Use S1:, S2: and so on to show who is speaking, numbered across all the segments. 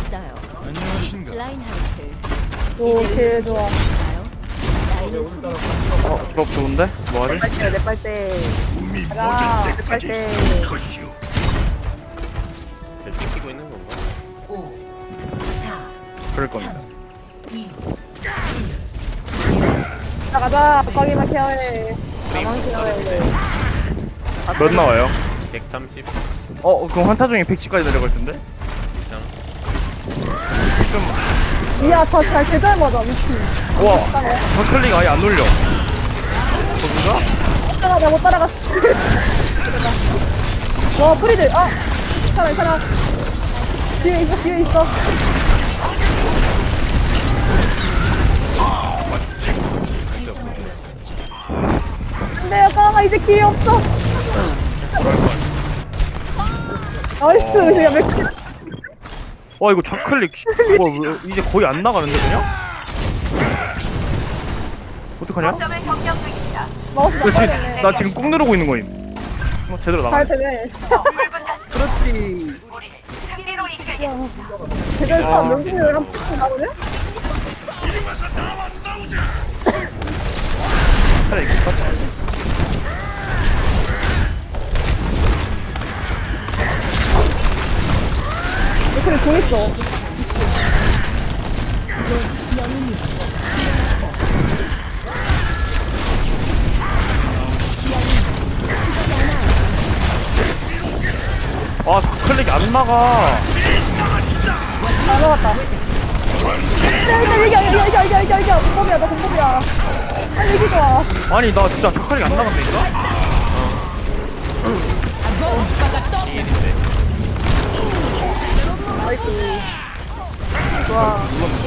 S1: 있어요.
S2: 안녕하신가?
S1: 라인하르트.
S3: 오, 개 좋아.
S1: 나이는 소리.
S4: 조합 좋은데? 뭐하지?
S3: 빨대, 내 빨대. 가자, 내 빨대.
S5: 저 찍히고 있는 건가?
S1: 5, 4,
S4: 그럴 겁니다.
S1: 2,
S3: 가자, 빡이만 케어해. 나만 케어해.
S4: 몇 나와요?
S5: 130
S4: 그럼 한타 중에 110까지 내려갈 텐데?
S5: 이상.
S3: 이야, 잘 제대로 맞아, 미친.
S4: 와, 저클릭 아예 안 눌려. 저기가?
S3: 못 따라가, 못 따라갔어. 와, 프리드, 괜찮아. 뒤에 있어. 안 돼요, 깡아, 이제 기회 없어. 나이스, 야, 맥주.
S4: 와, 이거 좌클릭, 이제 거의 안 나가는데, 그냥? 어떡하냐?
S3: 마우스
S4: 나 지금 꾹 누르고 있는 거임. 제대로
S3: 잘
S4: 나가네.
S3: 되네.
S4: 그렇지.
S3: 대결사 명중률 한 푼 나오네?
S4: 차라리 이거 깎아.
S3: 그래, 돈 있어.
S4: 아, 좌클릭이 안 나가.
S3: 잘 먹었다. 이겨. 공법이야, 나 공법이야. 아니, 이기 좋아.
S4: 아니, 나 진짜 좌클릭 안 나간다니까?
S3: 나이스. 좋아.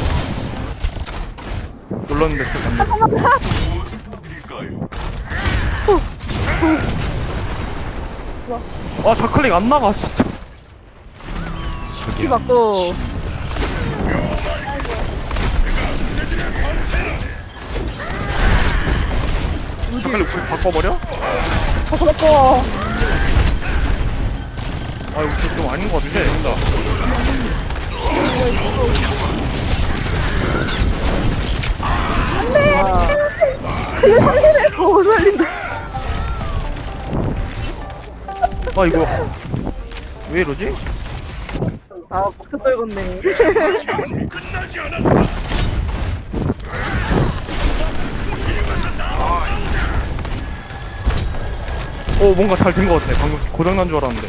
S4: 눌렀는데 또 안 돼. 아, 좌클릭 안 나가, 진짜.
S3: 키 맞고.
S4: 좌클릭 우리 바꿔버려?
S3: 바꿔.
S4: 아, 이거 좀 아닌 것 같은데.
S3: 못 살린다.
S4: 아, 이거. 왜 이러지?
S3: 목차 떨궜네.
S4: 뭔가 잘 된 것 같아. 방금 고장난 줄 알았는데.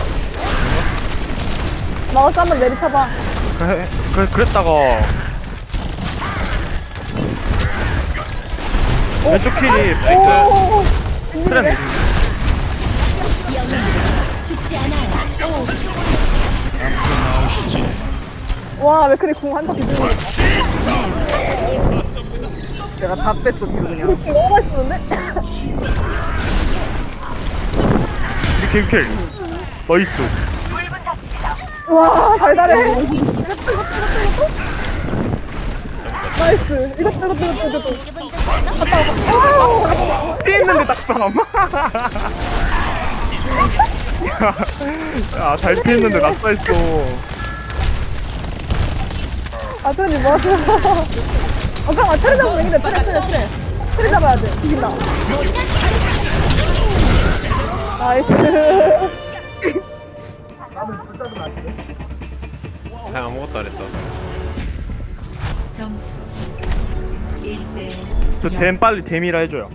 S3: 마우스 한번 내리쳐봐.
S4: 그랬다가. 왼쪽 킬이
S3: 오,
S4: 트렌드.
S1: 죽지 않아요.
S3: 와, 왜 그래, 궁한 바퀴 들고. 내가 다 뺐어, 그냥. 너무 맛있었는데?
S4: 우리 킬. 나이스.
S3: 와, 달달해. 나이스. 이것도. 갔다 와.
S4: 피했는데 딱 사람. 야, 잘 피했는데 낙사했어.
S3: 트렌이 뭐 하세요? 잠깐만, 트렌 잡으면 이긴다. 트렌 잡아야 돼. 이긴다. 나이스.
S5: 그냥 아무것도 안 했다.
S1: 점수 1대
S4: 저 댐 빨리 댐이라 해줘요.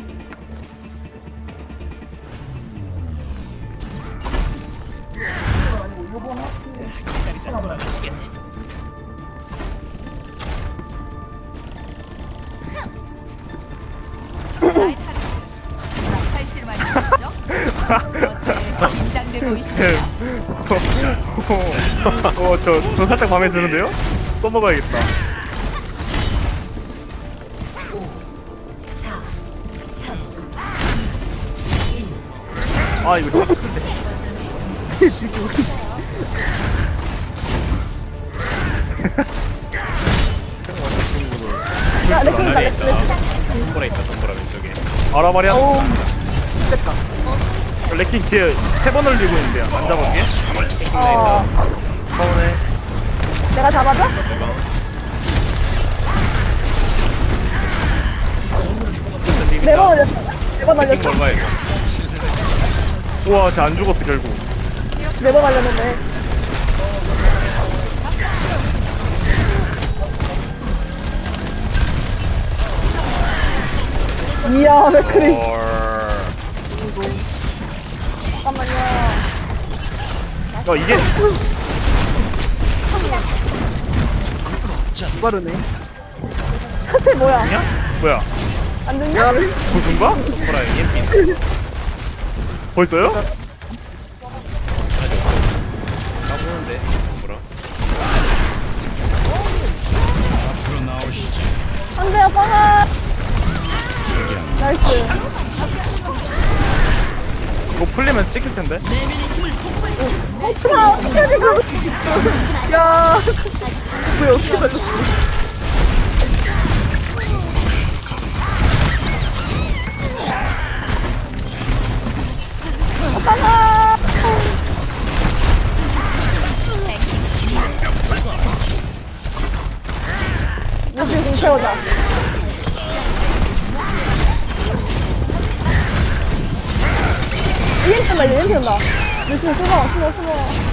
S1: 칼실 말이죠? 긴장돼 보이시나요?
S4: 저 살짝 마음에 드는데요? 써먹어야겠다.
S1: 4, 3,
S4: 아, 이거 너무 큰데.
S3: 야, 레킹
S5: 자리에 있다. 동굴에 있다. 동굴 왼쪽에.
S4: 알아말이야.
S3: 됐다.
S4: 레킹 뒤에 3번 올리고 있는데요. 안 잡은 게?
S3: 어.
S4: 서운해.
S3: 내가 잡아줘?
S5: 대박.
S3: 네번 올렸어. 네번
S5: 팅
S3: 올렸어.
S5: 걸봐 이거.
S4: 우와, 쟤 안 죽었어, 결국.
S3: 네번 올렸는데. 이야, 맥크리. 잠깐만요.
S4: 이게
S2: 빠르네.
S3: 사태 뭐야?
S4: 뭐냐? 뭐야?
S3: 안 됐냐?
S4: 고준가?
S5: 손보라 EMP.
S4: 벌써요?
S5: 까보는데 손보라.
S3: 안 돼요, 뻥아! 나이스.
S4: 이거 풀리면 찍힐 텐데.
S3: 아, 어떻게 지금.
S2: 야, 왜 어떻게 살렸어?
S3: 뻥아! 무슨 좀 채우자. 이행 뜬다, 이행 뜬다. 열심히 숨어.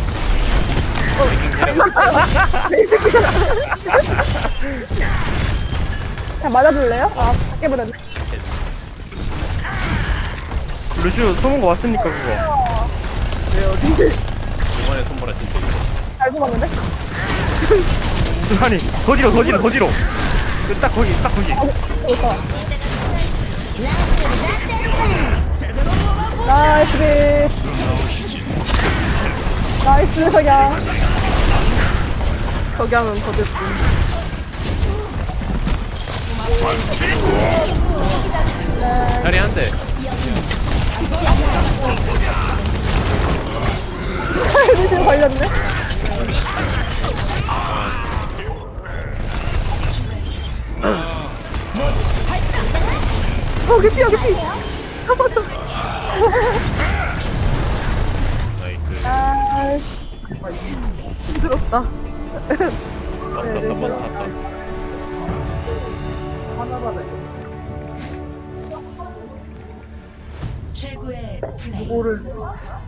S3: 자, 맞아줄래요? 아, 밖에 버렸네.
S4: 루시우 숨은 거 왔으니까 그거.
S5: 이번에 손보라 진짜 이거.
S3: 잘 숨었는데?
S4: 아니, 더 뒤로. 딱 거기.
S3: 좋다. 나이스. 나이스, 석양.
S2: 석양은 거듭.
S5: 자리 한 대.
S3: 지금 걸렸네?
S2: 여기 피. 잡아줘.
S5: 나이스.
S3: 나이스.
S2: 힘들었다.
S5: 버스 탔다.
S1: 최고의 플레이.
S2: 뭐를.